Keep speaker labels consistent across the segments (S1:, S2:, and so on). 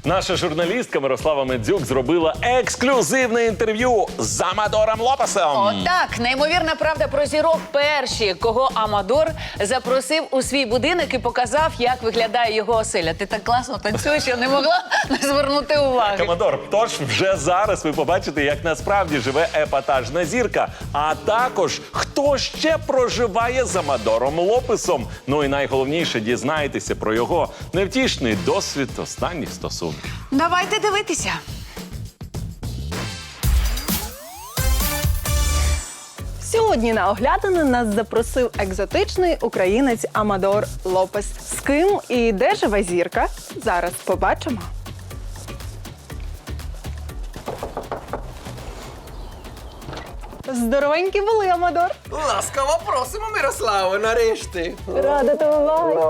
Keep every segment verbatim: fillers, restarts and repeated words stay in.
S1: Наша журналістка Мирослава Медзюк зробила ексклюзивне інтерв'ю з Амадором Лопесом.
S2: Отак, неймовірна правда про зірок перші, кого Амадор запросив у свій будинок і показав, як виглядає його оселя. Ти так класно танцюєш, я не могла не звернути уваги.
S1: Амадор, тож вже зараз ви побачите, як насправді живе епатажна зірка, а також хто ще проживає з Амадором Лопесом. Ну і найголовніше, дізнаєтеся про його невтішний досвід останніх стосунків.
S2: Давайте дивитися.
S3: Сьогодні на оглядини нас запросив екзотичний українець Амадор Лопес. З ким і де живе зірка? Зараз побачимо. Здоровенькі були, Амадор.
S4: Ласкаво просимо, Мирославо, нарешті.
S3: Рада тебе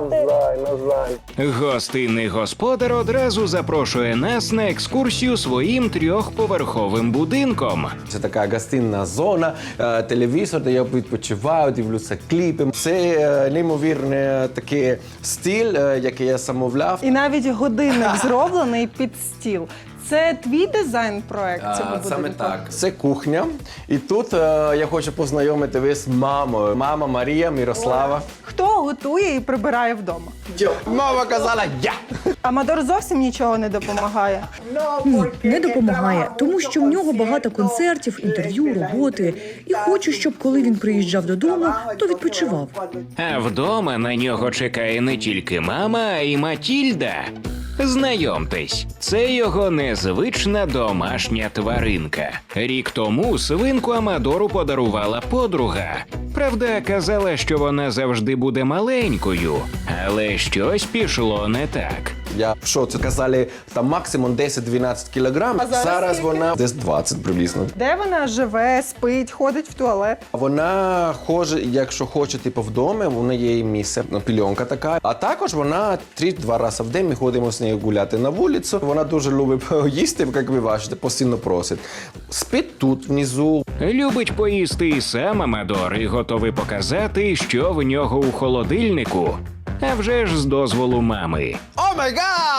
S3: бачити.
S5: Гостинний господар одразу запрошує нас на екскурсію своїм трьохповерховим будинком.
S4: Це така гостинна зона, е, телевізор, де я відпочиваю, дивлюся кліпи. Це е, неймовірний такий стиль, е, який я замовляв.
S3: І навіть годинник зроблений під стіл. Це твій дизайн-проект цього
S4: А,
S3: будинку?
S4: Саме так. Це кухня. І тут е, я хочу познайомити ви з мамою. Мама Марія, Мирослава.
S3: Хто готує і прибирає вдома?
S4: Мама казала «я».
S3: Амадор зовсім нічого не допомагає.
S6: Ні, не допомагає, тому що в нього багато концертів, інтерв'ю, роботи. І хочу, щоб коли він приїжджав додому, то відпочивав.
S5: А вдома на нього чекає не тільки мама, а й Матільда. Знайомтесь, це його незвична домашня тваринка. Рік тому свинку Амадору подарувала подруга. Правда, казала, що вона завжди буде маленькою, але щось пішло не так.
S4: Я в шоці. Казали, там максимум десять-дванадцять кілограм.
S3: А зараз
S4: зараз
S3: скільки?
S4: вона десь двадцять приблизно.
S3: Де вона живе, спить, ходить в туалет?
S4: Вона хоче, якщо хоче, типу, вдома, у неї є місце, ну, пільонка така. А також вона три-два рази в день ми ходимо з нею гуляти на вулицю. Вона дуже любить їсти, як ви бачите, постійно просить. Спить тут, внизу.
S5: Любить поїсти і сам Амадор і готовий показати, що в нього у холодильнику. А вже ж з дозволу мами.
S4: О май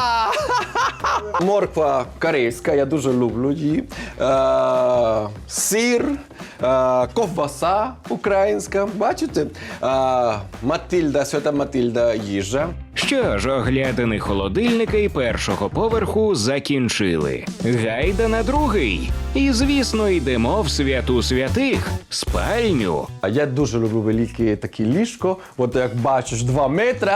S4: гад! Морква корейська, я дуже люблю її. Е, сир, е, ковбаса українська, бачите? Е, Матильда, Свята Матильда їжа.
S5: Що ж, оглядини холодильника і першого поверху закінчили. Гайда на другий. І, звісно, йдемо в святу святих – спальню.
S4: А я дуже люблю велике таке ліжко. От як бачиш, два метри.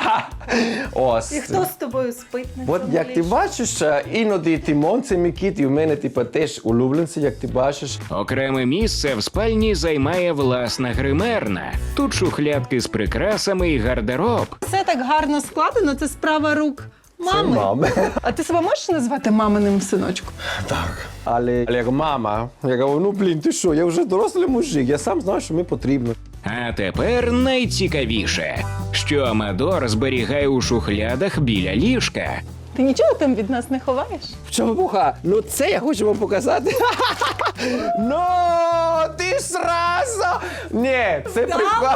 S4: Ось.
S3: І хто з тобою спить на
S4: От
S3: цьому
S4: як ти
S3: ліжку?
S4: бачиш, іноді Тимон, це мій кіт, і в мене типу, теж улюбленці, як ти бачиш.
S5: Окреме місце в спальні займає власна гримерна. Тут шухлядки з прикрасами і гардероб.
S3: Все так гарно складено, це справа рук мами.
S4: Це мами.
S3: А ти себе можеш назвати маминим синочком?
S4: Так. Але, але як мама, я кажу, ну блін, ти що, я вже дорослий мужик, я сам знаю, що мені потрібно.
S5: А тепер найцікавіше, що Амадор зберігає у шухлядах біля ліжка.
S3: Ти нічого там від нас не ховаєш?
S4: В чому буха? Ну це я хочу вам показати. Ну, ти ж зразу! Ні, це прикольно.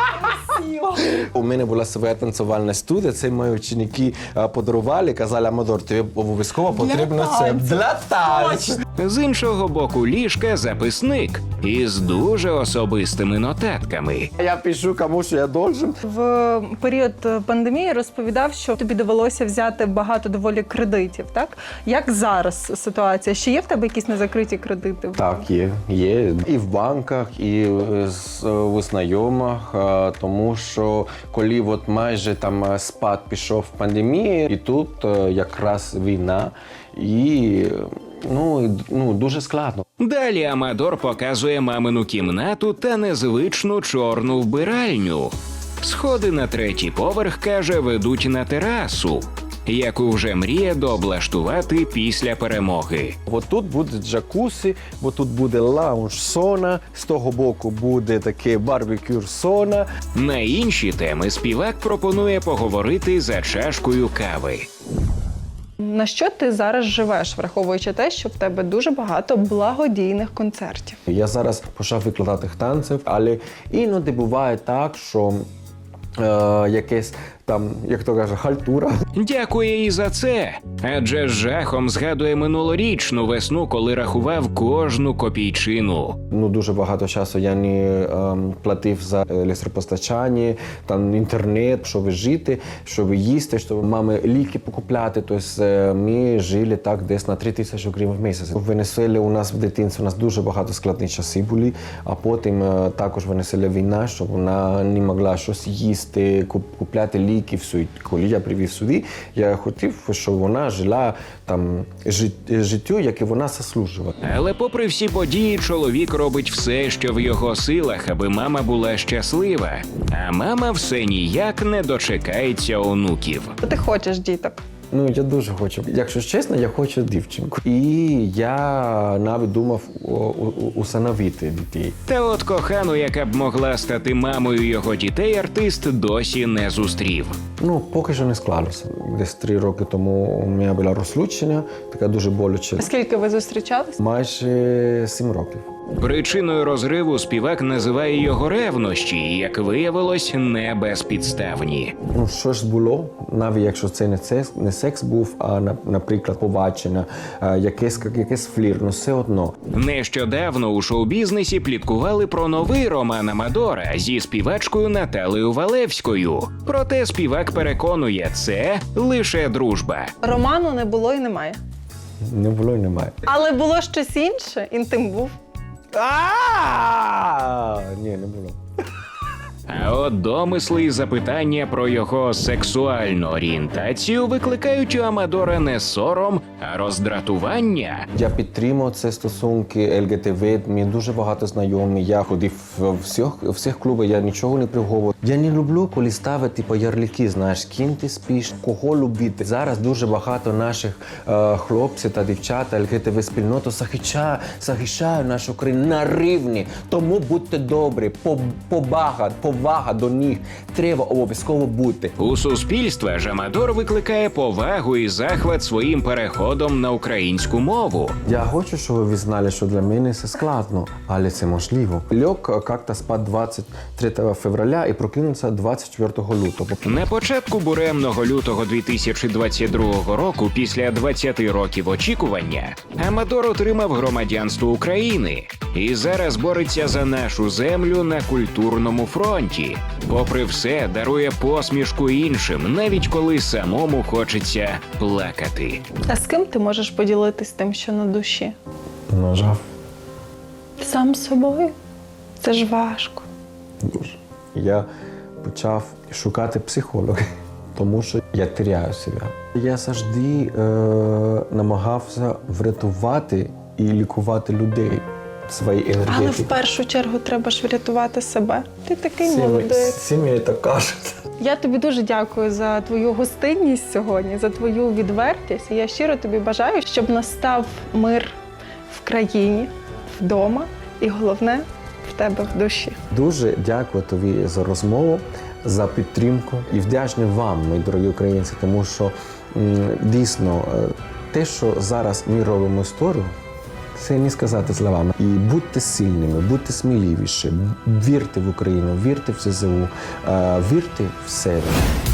S4: У мене була своя танцювальна студія, це мої ученики а, подарували, казали, Амадор, тобі обов'язково потрібно це для танцю.
S5: З іншого боку ліжка записник із дуже особистими нотатками.
S4: Я пишу, кому що я должен.
S3: В період пандемії розповідав, що тобі довелося взяти багато доволі кредитів, так? Як зараз ситуація? Ще є в тебе якісь незакриті кредити?
S4: Так, є. Є. І в банках, і з- у знайомих, е, тому що коли от майже там спад пішов в пандемії, і тут е, якраз війна, і ну, і, ну, дуже складно.
S5: Далі Амадор показує мамину кімнату та незвичну чорну вбиральню. Сходи на третій поверх, каже, ведуть на терасу, яку вже мріє дооблаштувати після перемоги.
S4: От тут буде джакусі, от тут буде лаунж-сона, з того боку буде таке барбекю-сона.
S5: На інші теми співак пропонує поговорити за чашкою кави.
S3: На що ти зараз живеш, враховуючи те, що в тебе дуже багато благодійних концертів?
S4: Я зараз почав викладати танців, але іноді буває так, що е, якесь там, як то каже, хальтура.
S5: Дякує і за це. Адже з жахом згадує минулорічну весну, коли рахував кожну копійчину.
S4: Ну, дуже багато часу я не ем, платив за електропостачання, там інтернет, щоб жити, щоб їсти, щоб мами ліки покупляти. Тобто е, ми жили так десь на три тисячі гривень в місяць. В Венесуелі у нас в дитинстві у нас дуже багато складні часи були, а потім е, також в Венесуелі війна, щоб вона не могла щось їсти, куп- купляти ліки, все. І коли я привів сюди, я хотів, щоб вона жила там жит- життю, яке вона заслужила.
S5: Але попри всі події, чоловік робить все, що в його силах, аби мама була щаслива. А мама все ніяк не дочекається онуків.
S3: Ти хочеш діток.
S4: Ну, я дуже хочу. Якщо чесно, я хочу дівчинку. І я навіть думав о- о- усиновити дітей.
S5: Та от кохану, яка б могла стати мамою його дітей, артист досі не зустрів.
S4: Ну, поки що не склалося. Десь три роки тому у мене було розлучення, таке дуже боляче.
S3: Скільки ви зустрічались?
S4: Майже сім років.
S5: Причиною розриву співак називає його ревнощі, і, як виявилось, не безпідставні.
S4: Ну, що ж було, навіть якщо це не секс, не секс був, а, на- наприклад, побачення, а, якесь, якесь флір, ну все одно.
S5: Нещодавно у шоу-бізнесі пліткували про новий роман Амадора зі співачкою Наталею Валевською. Проте співак переконує, це лише дружба.
S3: Роману не було і немає.
S4: Не було і немає.
S3: Але було щось інше, інтим був.
S4: А ні, не було.
S5: А от домисли і запитання про його сексуальну орієнтацію викликають у Амадора не сором, а роздратування.
S4: Я підтримав ці стосунки ел ге те ве, мені дуже багато знайомих. Я ходив в всіх, в всіх клубах, я нічого не приховував. Я не люблю, коли ставити типу, ярлики, знаєш, з ким ти спиш, кого любити. Зараз дуже багато наших е, хлопців та дівчат ел ге те ве спільноту захищає, захищає нашу країну на рівні. Тому будьте добрі, побага, повага до них треба обов'язково бути.
S5: У суспільства ж Амадор викликає повагу і захват своїм переходом на українську мову.
S4: Я хочу, щоб ви знали, що для мене це складно, але це можливо. Лег як-то спати двадцять третього февраля і прокинувся двадцять четвертого лютого.
S5: На початку буремного лютого дві тисячі двадцять другого року, після двадцяти років очікування, Амадор отримав громадянство України і зараз бореться за нашу землю на культурному фронті. Попри все, дарує посмішку іншим, навіть коли самому хочеться плакати.
S3: А з ким ти можеш поділитись тим, що на душі?
S4: Нажав
S3: Сам з собою? Це ж важко.
S4: дуже. Я почав шукати психолога, тому що я теряю себе. Я завжди е, намагався врятувати і лікувати людей. Свої
S3: Але в
S4: енергетики.
S3: першу чергу треба ж врятувати себе. Ти такий
S4: Всі ми-
S3: молодець.
S4: всі мені так кажуть.
S3: Я тобі дуже дякую за твою гостинність сьогодні, за твою відвертість. І я щиро тобі бажаю, щоб настав мир в країні, вдома і головне в тебе в душі.
S4: Дуже дякую тобі за розмову, за підтримку і вдячний вам, мої дорогі українці, тому що м, дійсно е, те, що зараз ми робимо історію, це не сказати словами. І будьте сильними, будьте сміливіші, вірте в Україну, вірте в зе де у, е, вірте в себе.